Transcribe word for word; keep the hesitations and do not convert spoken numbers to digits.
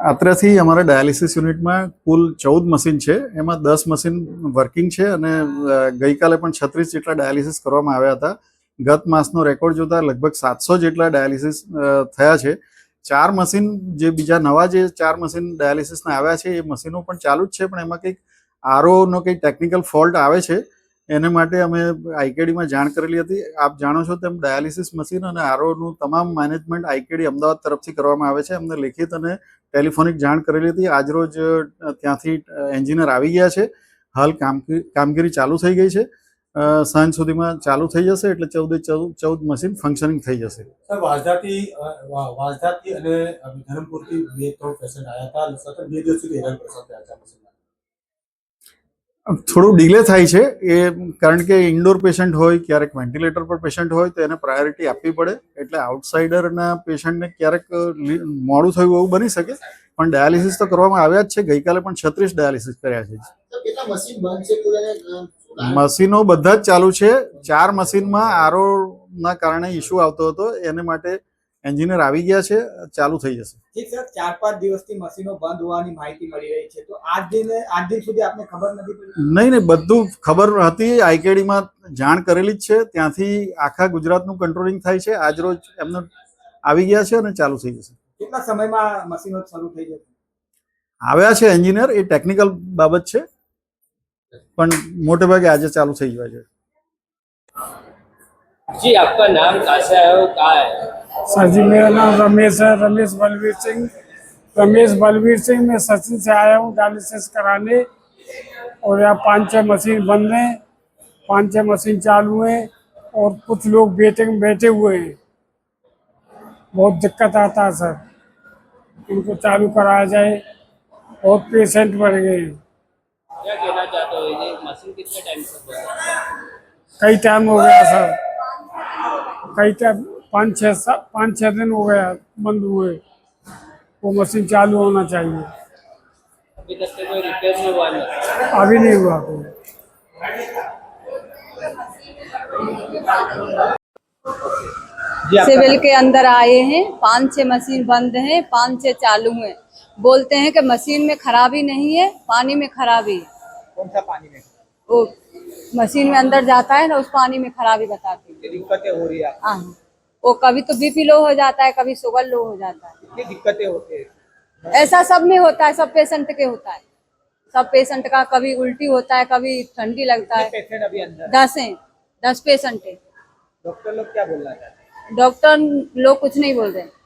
અત્રેથી અમારા ડાયાલિસિસ યુનિટમાં કુલ ચૌદ મશીન છે, એમાં દસ મશીન વર્કિંગ છે અને ગઈકાલે પણ છત્રીસ જેટલા ડાયાલિસિસ કરવામાં આવ્યા હતા. ગત માસનો રેકોર્ડ જોતા લગભગ સાતસો જેટલા ડાયાલિસિસ થયા છે. ચાર મશીન જે બીજા નવા જે ચાર મશીન ડાયાલિસિસના આવ્યા છે એ મશીનો પણ ચાલુ જ છે, પણ એમાં કંઈક આરઓનો કંઈક ટેકનિકલ ફોલ્ટ આવે છે. એને માટે અમે આઈકેડીમાં જાણ કરેલી હતી. આપ જાણો છો તેમ ડાયાલિસિસ મશીન અને આરઓનું તમામ મેનેજમેન્ટ આઈકેડી અમદાવાદ તરફથી કરવામાં આવે છે. અમને લેખિત અને ટેલિફોનિક જાણ કરેલી હતી. આજરોજ ત્યાંથી એન્જિનિયર આવી ગયા છે. હાલ કામગીરી ચાલુ થઈ ગઈ છે. સાંજ સુધીમાં ચાલુ થઈ જશે એટલે ચૌદે ચૌદ ચૌદ મશીન ફંક્શનિંગ થઈ જશે. વાંસદાથી વાંસદાથી અને ધરમપુરથી બે ત્રણ પેશન્ટ આવ્યા હતા. સતત બે દિવસ સુધી હેરાન પરેશાન થયા હતા. થોડું ડિલે થાય છે એ કારણ કે ઇન્ડોર પેશન્ટ હોય, ક્યારેક વેન્ટિલેટર પર પેશન્ટ હોય તો એને પ્રાયોરિટી આપવી પડે. એટલે આઉટસાઇડરના પેશન્ટને ક્યારેક મોડું થયું એવું બની શકે, પણ ડાયાલિસિસ તો કરવામાં આવ્યા જ છે. ગઈકાલે પણ છત્રીસ ડાયાલિસિસ કર્યા છે. મશીનો બધા જ ચાલુ છે. ચાર મશીનમાં આરઓ ના કારણે ઇસ્યુ આવતો હતો, એને માટે એન્જિનિયર આવી ગયા છે, ચાલુ થઈ જશે. ઠીક સર, ચાર પાંચ દિવસથી મશીનો બંધ હોવાની માહિતી મળી રહી છે, તો આજ દિન આજ દિન સુધી આપને ખબર નથી પડી? નહીં નહીં, બધું ખબર હતી. આઈકેડીમાં જાણ કરેલી જ છે. ત્યાંથી આખા ગુજરાતનું કંટ્રોલિંગ થાય છે. આજ રોજ એમને આવી ગયા છે અને ચાલુ થઈ જશે. કેટલા સમયમાં મશીનો શરૂ થઈ જશે? આવ્યા છે એન્જિનિયર, એ ટેકનિકલ બાબત છે, પણ મોટે भागे आज चालू થઈ गया है। जी, आपका नाम कहाँ से आया हो, कहाँ है? सर जी, मेरा नाम रमेश है, रमेश बलवीर सिंह। रमेश बलवीर सिंह, मैं सचिन से आया हूँ डायलिसिस कराने, और यहाँ पाँच छः मशीन बंद हैं, पाँच छः मशीन चालू हैं, और कुछ लोग वेटिंग में बैठे हुए हैं। बहुत दिक्कत आता है सर, इनको चालू कराया जाए। और पेशेंट बढ़ गए हैं। क्या कहना चाहते हो, ये मशीन कितने टाइम से बंद है? कई टाइम हो गया सर, कई टाइम पाँच छः पाँच छः दिन हो गया बंद हुए। वो मशीन चालू होना चाहिए। अभी तक से कोई रिपेयर नहीं हुआ? नहीं, अभी नहीं हुआ कोई। सिविल के अंदर आए हैं, पाँच छः मशीन बंद हैं, पाँच छः चालू हैं। बोलते हैं कि मशीन में खराबी नहीं है, पानी में खराबी है। कौन सा पानी में? वो मशीन में अंदर जाता है ना, उस पानी में खराबी बताती है। दिक्कतें हो रही है? हाँ, वो कभी तो बीपी लो हो जाता है, कभी शुगर लो हो जाता है। कितनी दिक्कतें होती है? ऐसा सब में होता है, सब पेशेंट के होता है। सब पेशेंट का कभी उल्टी होता है, कभी ठंडी लगता है। पेशेंट अभी अंदर? दस हैं, दस पेशेंट है। डॉक्टर लोग क्या बोल रहा है? डॉक्टर लोग कुछ नहीं बोल रहे।